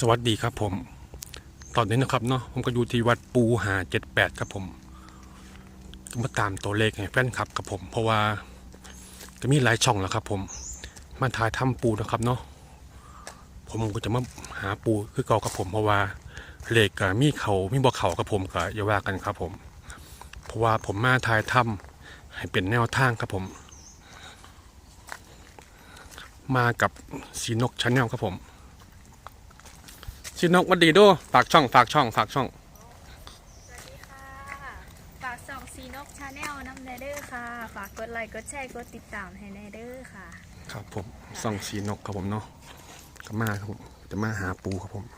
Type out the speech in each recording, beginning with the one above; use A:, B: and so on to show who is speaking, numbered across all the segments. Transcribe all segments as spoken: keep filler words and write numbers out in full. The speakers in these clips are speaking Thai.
A: สวัสดีครับผมตอนนี้นะครับเนาะผมก็อยู่ที่วัดปูหาเจ็ดแปดครับผมมาตามตัวเลขให้แฟนคลับกับผมเพราะว่าจะมีหลายช่องแล้วครับผมมาถ่ายทำปูนะครับเนาะผมก็จะมาหาปูคือเก่ากับผมเพราะว่าเลขกับมีเขามีบ่เขากับผมก็อย่าว่ากันครับผมเพราะว่าผมมาถ่ายทำให้เป็นแนวทางครับผมมากับสีนกชาแนลครับผมชินกวัดดีด้วยฝากช่องฝากช่องฝากช่อง
B: สวัสดีค่ะฝากส่องซีนกชาแนลน้ำเนเดอร์ค่ะฝากกดไลค์กดแชร์กดติดตามให้เนเดอร์ค่ะ
A: ครับผมส่องสีนกครับผมเนาะก็มาครับผมจะมาหาปูครับผม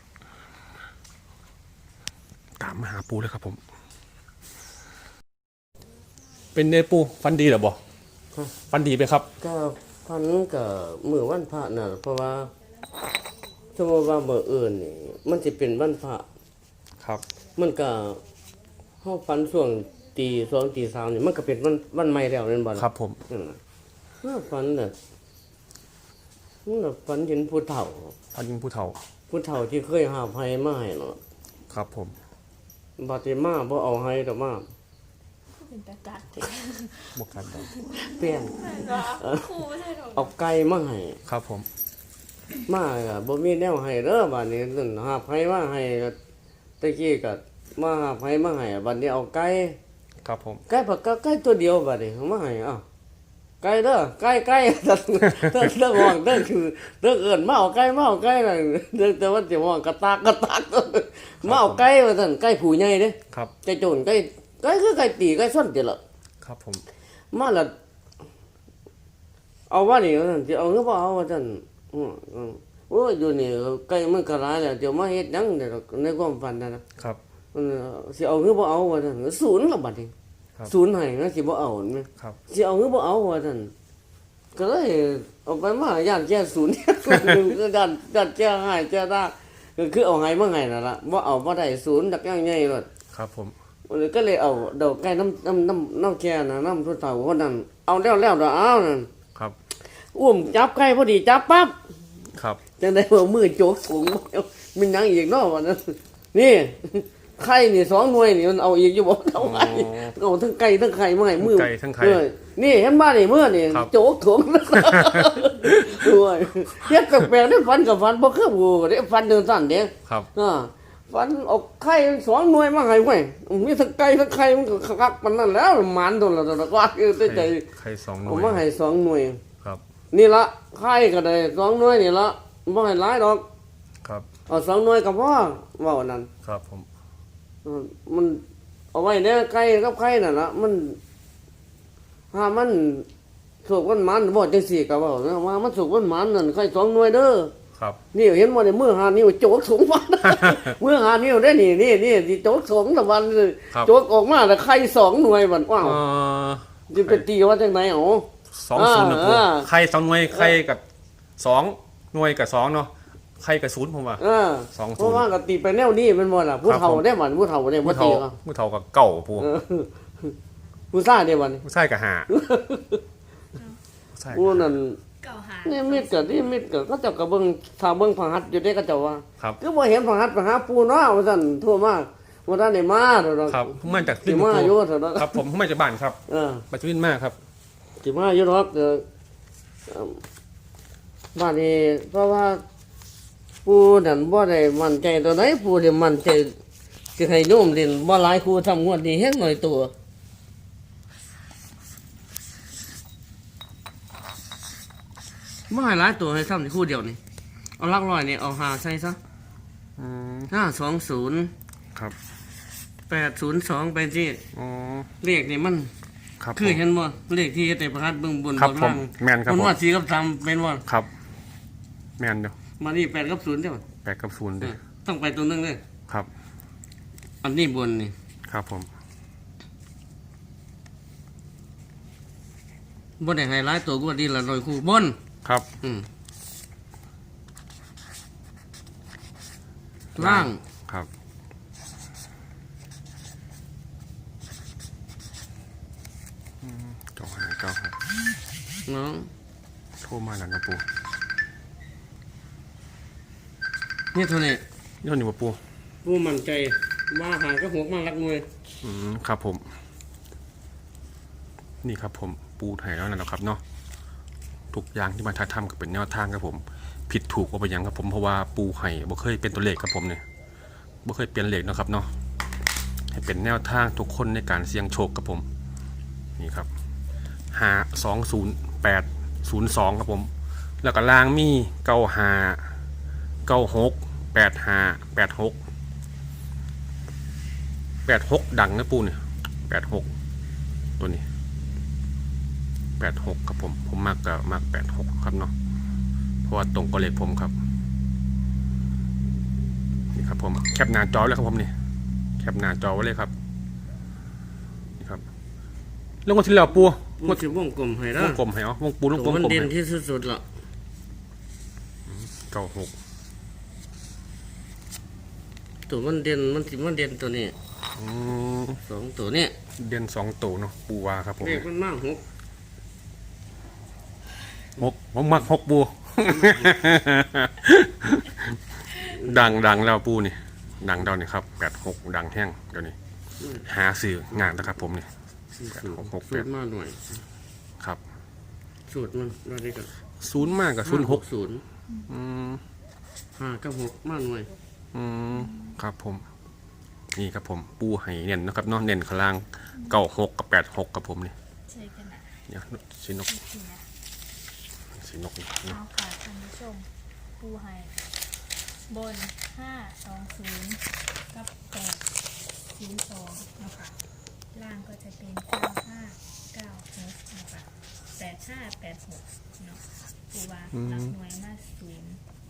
A: ตามมาหาปูเลยครับผมเป็นเนปูฟันดีหรอบ่ฟันดีไปครับ
C: ก็พันกับมือวันพระน่ะเพราะว่าสมมติว่าเบอร์อื่นนี่มันจะเป็นวันพระ
A: ครับ
C: มันก็เฮาฟันช่วงตีสองตีสามนี่มันก็เป็นวันวันใหม่แล้วนั่นบ่
A: ครับผม
C: นั่นน่ะเมื่อฟันน่ะมันน่ะฟันเห็นผู้เฒ่า
A: ฟันยิงผู้เฒ่า
C: ผู้เฒ่าที่เคยหาภัยมาให้เนาะ
A: ครับผม
C: บัดนี้มาบ่เอาให้ดอกมา
B: เป็นตะกัด
A: บวกกัน
C: เปลี่ยนเอาไก่มาให้
A: ครับผม
C: มาก็บ่มีแนวให้เด้อบัดนี้นั่นหาภัยมาให้ตะกี้ก็มาหาภัยมาให้บัดนี้เอาไก่
A: ครับผม
C: ไก่ปากไก่ตัวเดียวบัดนี้มาให้อ้าวไก่เด้อไก่ไก่เด้อเด้อห้องเด้อคือเด้อเอิ้นมาเอาไก่มาเอาไก่น่ะเด้อแต่ว่าสิห้องกระตากกระตากมาเอาไก่ว่าซั่นไก่ผู้ใหญ่เด้
A: ครับ
C: ไก่โจรไก่ไก่คือไก่ตีไก่ส้นติล่ะ
A: ครับผม
C: มาละเอาว่านี่ว่าซั่นสิเอาหรือบ่เอาว่าซั่นอือโอ้ยอยู่นี่ไก่มันก็หลายแล้วเดี๋ยวมาเฮ็ดหยังเด้อในความฝันนั่นนะครับเออสิเอาหรือบ่เอาว่าซั่นศูนย์ละบัดนี้ศูนย์ให้นะสิบ่เอาแม่
A: ครับ
C: สิเอาหรือบ่เอาว่าซั่นก็เลยเอาไปมาย่านแก้ศูนย์ก็ด้านด้านแก้ให้แก้ได้ก็คือเอาให้มาให้นั่นล่ะบ่เอาบ่ได้ศูนย์ดักอย่างใหญ่โลด
A: ครับผม
C: ก็เลยเอาดอกไก่น้ำน้ำน้ำน้ำแก่น่ะน้ำผู้เฒ่าคนนั้นเอาแล้วแล้วดอกเอานั่น
A: ครับ
C: อุ้มจับไก่พอดีจับปั๊บ
A: ครับ
C: จังได้ว่ามือโจกสูงมันยังอีกเนาะว่านั้นนี่ไข่นี่สองหน่วยนี่มันเอาอีกอยู่บ่เอาไงเอาทั้งไก่ทั้งไข่มาให้มือ
A: ไก่ทั้งไข่
C: นี่เห็นบ้านนี่มื้อนี่โจกถุงด้วยเฮ็ดแปลกๆได้ฟันกับฟันบ่คือกูได้ฟันเดินสั่นเด้
A: ครับ
C: อ่าฟันออกไข่สองหน่วยมาให้เว้ยมีทั้งไก่ทั้งไข่มันก็คักปานนั้นแล้วหมานโดนแล้วก็ว่าคือใจ
A: ไข่สองหน่วย
C: เอามาให้สองหน่วย
A: ครับ
C: นี่ละไข่ก็ได้สองหน่วยนี่ละบ่ให้หลายดอก
A: ครับ
C: เอาสองหน่วยก็พอเว้านั่น
A: ครับผม
C: มันเอาไว้เนี่ยไก่กับไข่น่ะนะมันถ้ามันสุกมันมันบ่จังซี่ก็เว้านะว่ามันสุกมันมันนั่นไข่สองหน่วยเด้อ
A: ครับ
C: นี่เห็นบ่เนี่ยมือหานิ้วโจกสูงวันมือหานิ้วได้นี่นี่นี่สิโจกสองตะวันโจกออกมาแล้วไข่สองหน่วยบัดว้าวสิไปตีว่าจังได๋อ๋อ
A: สองศูนย์นะปู่ไข่สองหน่วยไข่กับสองหน่วยกับสองเนาะไข่กับศูนย์ผมว่าสองศูนย์เพราะ
C: ว่าก็ตีไปแนวนี้มันบ่ล่ะผู้เฒ่าได้บัดผู้เฒ่าได้บ่ตีก็
A: ผู้เฒ่ากับเก่าปู่
C: ผู้ซ่าได้บัด
A: ผู้ชายกับห้า
C: ผู้นั้นนี่มิดก็นี่มิดก็เขาเจ้าก็เบิ่งถ้าเบิ่งพหัสอยู่ได้ก็เจ้าว่าคือบ่เห็นพหัสไปหาปู่เนาะว่าซั่นโทรมาบ่ทันได้มาดอก
A: ครับผมมาจาก
C: สิมาอยู่เถอะ
A: ครับผมผมมาจากบ้านครับ
C: เออ
A: มาจากวินมาครับ
C: สิมาอยู่ดอกเออบ้านนี้เพราะว่าปู่นั่นบ่ได้มั่นใจตัวไหนปู่นี่มั่นใจสิให้โยมเล่นบ่หลายครูทำงวดนี้เฮ็ดหน่อยตัวไม่ให้หลายตัวให้ทำในคู่เดียวนี่เอาลักร้อยนี่เอาหาใส่ซะห้าสองศูนย์
A: ครับ
C: แปดศูนย์สองไปที่
A: อ๋อ
C: เลขนี่มันคือเห็นบ่เลขที่แต่ประทัดเบื้องบน
A: บนล่างแม่นครับผม
C: มันว่าสี่กับสามเป็นว่า
A: ครับแม่นเด้อ
C: มานี่แปดกับศูนย์ใช่ไหม
A: แปดกับศูนย์เด้อ
C: ต้องไปตัวนึงเลย
A: ครับ
C: อันนี้บนนี่
A: ครับผม
C: บนไหนไฮไลท์ตัวกูดีละหน่อยคู่บน
A: ครับ
C: อืมล่าง
A: ครับเก้าห้าเก้าห้า
C: เนาะ
A: โทรมาแล้วนะปู่
C: นี่เท่านี้
A: นี่เท่านี้บ่ปู
C: ปูมั่นใจว่าหากับหกมารักหน่วย
A: อืมครับผม นี่ครับผมปูไห่แล้วนะครับเนาะทุกอย่างที่มาถ่ายทำก็เป็นแนวทางครับผม ผิดถูกว่าไปยังครับผมเพราะว่าปูไห่บ่เคยเป็นตัวเลขครับผมเนี่ยบ่เคยเปลี่ยนเลขนะครับเนาะให้เป็นแนวทางทุกคนในการเสี่ยงโชคครับผมนี่ครับห้าสองศูนย์แปดศูนย์สองครับผม แล้วก็ล่างมีเก้าห้าเก้าหกแปดห้าแปดหกแปดหกดังนะปูเนี่ยแปดหกตัวนี้แปดหกครับผมผมมากกับมากแปดหกครับเนาะเพราะว่าตรงกับเลขผมครับนี่ครับผมแคปหน้าจอเลยครับผมนี่แคปหน้าจอไว้เลยครับนี่ครับเรื่องวันที่แล้วปู
C: ปูสิวงกลมให้
A: ว
C: ละ
A: งกลมให้เหรอวงปูวงกล
C: ตัว
A: ม
C: มัน
A: กลม
C: เด่น
A: ให้
C: ที่สุดๆละ
A: เก้าหก
C: ตัวมันเด่นมันสิมันเด่นตัวนี้
A: อืม
C: สองตัวนี้
A: เด่นสองตัวเนาะปูวาครับผม
C: เลขมันมากหก
A: หกผมมักหกปู ดังดังแล้วปูนี่ดังเดานี่ครับแปดหกดังแห้งเดี๋ยวนี้หาสื่องานนะครับผมนี่แปดหกหก
C: สู
A: แป
C: ต
A: ด
C: รมาหน่อย
A: ครับ
C: สูตรมันว่าได้กัน
A: ศูนย์มากกับศูนย์หก
C: ศูนย์
A: อืม
C: ห้ากับหกมาหน่วย
A: อืมครับผม นี่ครับผมปูไห่เน้นนะครับเนาะเน้นข้างล่างเก้าหกกับแปดหกกับผมนี่
B: ใช่กันนะ
A: เนี่ยสีนก
B: ทีนะ
A: สีนกนี่
B: เอาค่ะท่านผู้ชมปูไฮบนห้าสองศูนย์กับแปดศูนย์สองนะคะล่างก็จะเป็นเก้าห้าเก้าหกนะคะแปดห้าแปดหกเนาะปูว่ารับหน่วยมาศูนย์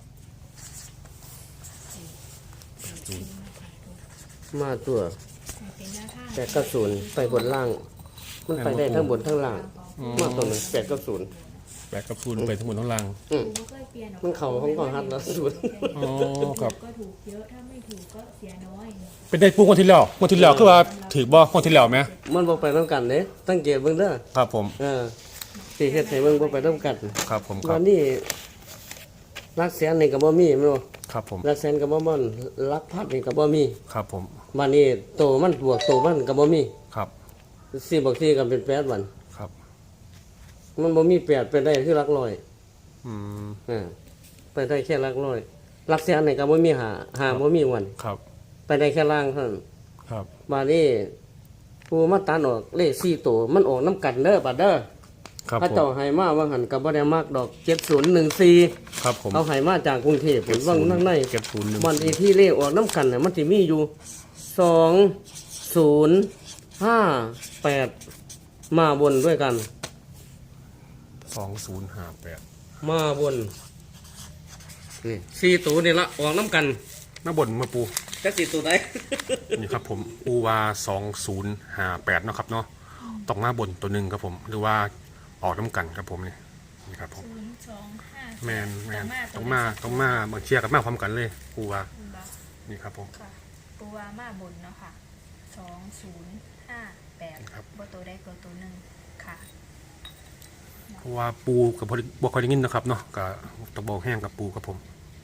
B: สี่สี่ศูนย์นะคะทุก
C: มาตัว
B: ให้เป็นหน้าทาง
C: แปดกับศูนย์ไปบนล่าง มันไปได้ทั้งบนทั้งล่างมาตัวหนึ่งแปดกับศูนย์
A: แปดกับศูนย์ไปทั้งหมดทั้งล่าง
C: อืม
B: ปูก็เคยเปลี่ยนออก
C: มันเข่าของของฮัทแล้วศูนย์
A: อ๋อครับ
B: ก็ถูกเยอะถ้าไม่ถูกก็เสียน้อย
A: เป็นได้ปูคนที่แล้วคนที่แล้วคือว่าถือบ่คนที่แล้วไหม
C: มันบ่ไปน้ำกันเด้ตั้งเกียรเบิ่งเด้อ
A: ครับผม
C: เออสิเฮ็ดให้เบิ่งบ่ไปน้ำกัน
A: ครับผมค
C: วั
A: รับ
C: นนี้รักแสนนี่ก็บ่มีแม่นบ่
A: ครับผม
C: รักแสนก็บ่ม่อนรักพัดนี่ก็บ่มี
A: ครับผม
C: วันนี้โตมันบวกโตมันก็บ่มี
A: ครับ
C: สี่บวกสี่ก็เป็นแปดวัน
A: ครับ
C: มันบ่มีแปดเป็นได้คือหลักร้อย
A: อืม
C: อ่าไปได้แค่หลักร้อยหลักแสนนี่ก็บ่มีหาหาบ่มีวัน
A: ครับ
C: ไปได้แค่ล่างเท่านั้น
A: ครับ
C: บาดนี้ผู้มาตัดออกเลขสี่ตัวมันออกน้ำกันเด้อบัดเด้อ
A: ครับ
C: พระ
A: ผม
C: เจ้าให้มาว่าหันก็บ่ได้มากดอกเจ็ดศูนย์หนึ่งสี่
A: ครับผม
C: เอาให้มาจากกรุงเทพผมว่านั่งใน
A: เก็บศูนย์หนึ่ง
C: วันอีที่เลขออกน้ำกันน่ะมันสิมีอยู่สองศูนย์ห้าแปดมาบนด้วยกัน
A: สองศูนย์ห้าแปด
C: มาบนนี่สี่ตัวนี่ละออกน้ำกัน
A: หน้าบนมาปู
C: จักสี่ตัวไหน
A: นี่ครับผมปูวาสองศูนย์ห้าแปดเนาะครับเนาะต้องมาบนตัวหนึ่งครับผม หรือว่าออกน้ำกันครับผมนี่นี่ครับผม
B: ศูนย์สองห้า
A: แมนแมนต้องมาต้องมาบางเชียร์กันมาพร้อมกันเลยปูวา
B: บา
A: นี่ครับผม
B: ค่ะปูวามาบนเนาะค่ะสองศูนย์ห้าแปด
A: ครับ
B: บตัวได้ตัวตัวหนึ่งค่ะ
A: เพราะว่าปูกับบวกคอยได้ยินนะครับเนาะกับตะโบกแห้งกับปูครับผม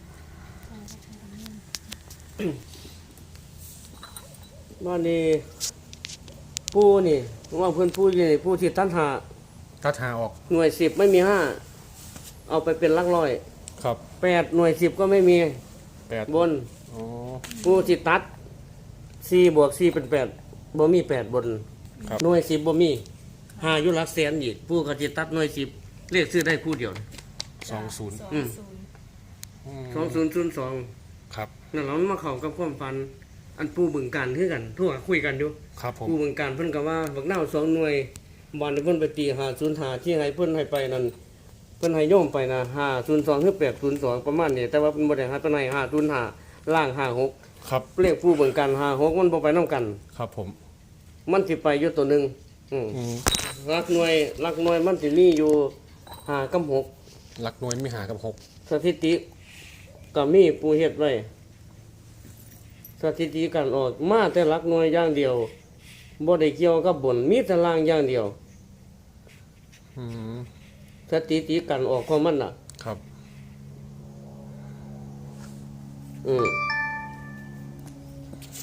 C: บ้านนี้ผู้นี่ว่าเพื่อนผู้อยู่นี่ผู้ที่ตั้นหา
A: ถ้าทาออก
C: หน่วยสิบไม่มีห้าเอาไปเป็นหลักร้อย
A: ครับ
C: แปดหน่วยสิบก็ไม่มี
A: แปด
C: บน
A: อ๋อ
C: ผู้ที่ตัดสี่บวกสี่เป็นแปดบ่มีแปดบน
A: ครับ
C: หน่วยสิบบ่มีหาอยุลักแสนอีกผู้ก็จะตัดหน่วยสิบเรียกซื้อได้ผู้เดียว
A: สองศูนย์
B: สอง
C: อืม
B: ศูนย์
C: สองศูนย์ศูนย์สอง
A: ครับ
C: นั่นเรามาเข้ากับความฝัน อันผู้บึงการคือกันทั่วคุยกันอยู่
A: ครับผม
C: ผู้บึงการเพิ่นก็ว่าบักนาวสองหน่วยบอนเพิ่นไปตีหาศูนย์หาที่ให้เพิ่นให้ไปนั่นเพิ่นให้โยมไปนะห้าศูนย์สองหรือแปดศูนย์สองประมาณนี้แต่ว่าเพิ่นบ่ได้ให้เพิ่นให้ห้าศูนย์ห้าล่างห้าหก
A: ครับ
C: เลขผู้บึงการห้าหกมันบ่ไปนํกัน
A: ครับผม
C: มันสิไปอยู่ตัวหนึงอืม
A: อืม
C: หลักหน่วยหลักหน่วยมันสิมีอยู่ห้ากับหก
A: หลักหน่วยไม่หากับหก
C: สถิติก็มีผู้เฮ็ดไว้สถิติการออกมาแต่หลักหน่วยอย่างเดียวบ่ได้เกี่ยวกับบนมีแต่ล่างอย่างเดียว
A: อืม
C: สถิติการออกของมันน่ะ
A: ครับ
C: อืม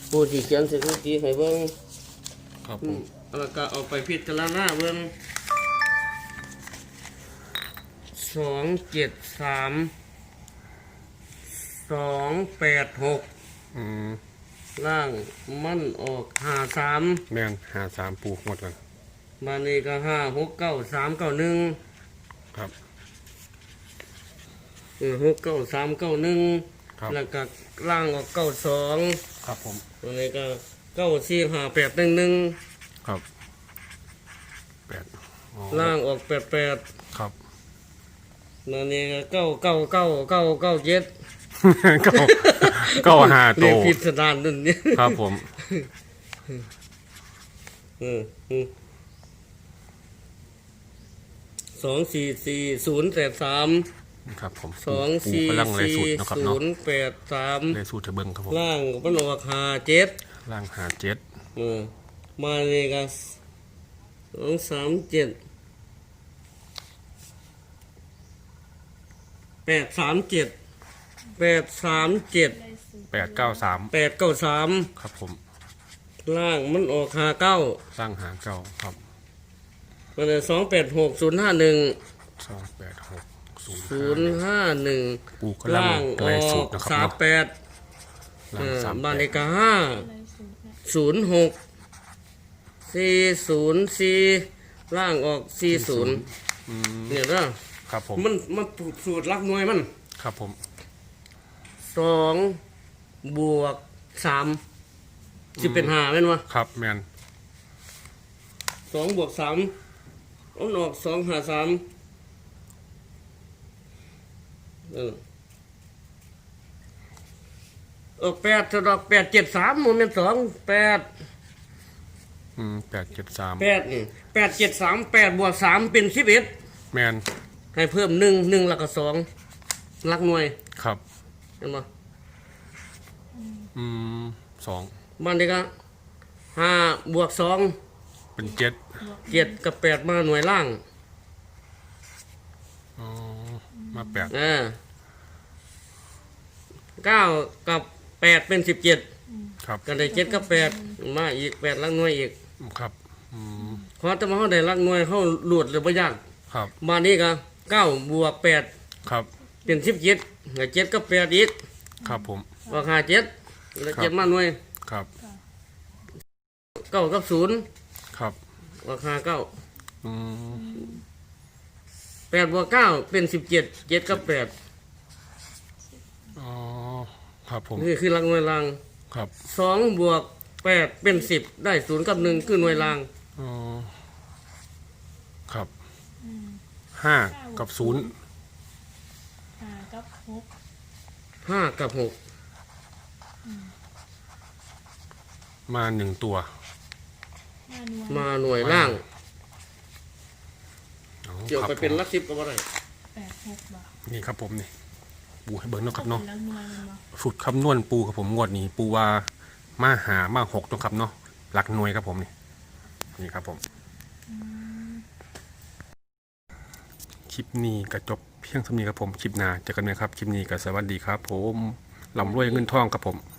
C: ปูสิเขียนสถิติให้เบิ่ง
A: ครับผ
C: อื
A: ม
C: มแล้วก็เอาไปพิจารณาเบิ่งสองเจ็ดสามสองแปดหก
A: อืม
C: ล่างมันออกห้าสาม
A: แม่นหาสามปูหมดกัน
C: มานี่ก็ห้าหกเก้าสามเก้าหนึ่ง
A: ครับ
C: เออหกเก้าสามเก้าหนึ่ง
A: ครับ
C: แล้วก็ล่างออกเก้าสอง
A: ครับผม
C: ตัวนี้ก็เก้าสี่ห้าแปดหนึ่งหนึ่ง
A: ครับแปดอ๋อ
C: ล่างออกแปดแปด
A: ครับ
C: นั่นนี่ก็เก้าเก้าเก้าเก้าเก้าเจ็ด
A: เก้าเก้าหาโต
C: เรียกพิสดารนั่นเนี่ย
A: ครับผม
C: เอออืมสองสี่สี่ศูนย์แปดสาม
A: ครับผม
C: สอง
A: ปู
C: สี่
A: กำลังเลย
C: สี่
A: สูตรนะครับ
C: ศู
A: เนาะ
C: นย์แปดสาม
A: เลยสูตรเทเบิงครับผม
C: ล่างมันออกห้าเจ็ด
A: ล่างหาเจ็ด
C: เออมาเลยก็สองสามเจ็ดแปดสามเจ็ดแปดสามเจ็ด
B: ได้สูตร
A: แปดเก้าสาม
C: แปดเก้าสาม
A: ครับผม
C: ล่างมันออกห้าเก้า
A: สร้างหาเก้าครับ
C: มันเลยสองแปดหกศูนย์ห้าหนึ่ง
A: สองแปดหกศูนย์
C: ศูนย์ห้าหนึ่ง
A: ปูกำลัง
C: ล่างอ
A: ไล่
C: อ
A: สูต
C: ก
A: รนะครับ
C: สาม
A: เนาะ
C: แปด
A: ล่างสาม
C: บ้าน
A: แป
C: เล
A: ด
C: ขห้า
B: ได้สูตรนะ
C: ศูนย์หกสี่ศูนย์สี่ล่างออกสี่ศูนย์
A: อืม
C: เนี่ยนะครับ
A: ผม
C: มันมันสูตรลักหน่วยมัน
A: ครับผม
C: สองบวกสามจะเป็นห้าเป็นวะ
A: ครับแมน
C: สองบวกสามเอาออกสองหาสามเออเออแปดจะดอกแปดเจ็ดสามโมเมนต์สองแปด
A: อืมแปดเจ็ดสาม
C: แปดนี่แปดเจ็ดสามแปดบวกสามเป็นสิบเอ็ด
A: แมน
C: ให้เพิ่มหนึ่งหนึ่งแล้วก็สองลักหน่วย
A: ครับ
C: เห็นไหม
A: อืมสอง
C: บ้านเด็กอะห้าบวกสอง
A: เป็นเจ็ด
C: เจ็ดกับแปดมาหน่วยล่าง
A: อ๋อมาแปด
C: อ่าเก้ากับแปดเป็นสิบเจ็ด
A: ครับ
C: กันได้เจ็ดกับแปดมาอีกแปดลักหน่วยอีก
A: ครับอืม
C: เพราะแต่มาเขาได้ลักหน่วยเขาหลุดหรือไม่ยาก
A: ครับ
C: บ้านนี้ก็เก้าบวกแปด
A: ครับ
C: เป็นสิบเจ็ดเจ็ดกับแปดอีก
A: ครับผม
C: ราคาเจ็ดแล้วเจ็ดมาหน่วย
A: ครับ
C: เก้ากับศูนย์
A: ครับ
C: ราคาเก้า
A: อืม
C: แปดบวกเก้าเป็นสิบเจ็ดเจ็ดกับแปด
A: อ๋อครับผม
C: นี่คือลักหน่วยล่าง
A: ครับ
C: สองบวกแปดเป็นสิบได้ศูนย์กับหนึ่งคือหน่วยล่าง
A: อ๋อครับห้ากับศูนย์
B: ห้ากับหก
C: ห้ากับหก
A: มาหนึ่งตัว
B: ห้าหน่วย
C: มาหน่วยล่าง
A: อ๋อ
C: เกี่ยว
A: ครับ
C: ไปเป็น
A: ผม
C: ลักสิบก็ว่าได้
B: แปดหกบ่
A: นี่ครับผมนี่ปูให้เบิ้งเนาะครับ
B: เนาะ
A: เนาะ
B: แล้วหน่วยมันบ่
A: สูตรคำนวณปูครับผมงวดนี้ปูว่ามาหามาหกเนาะครับเนาะหลักหน่วยครับผมนี่นี่ครับผมคลิปนี้ก็จบเพียงเท่านี้ครับผมคลิปหน้าเจอกันไหมครับคลิปนี้ก็สวัสดีครับ ผมลำรวยเงินทองครับผม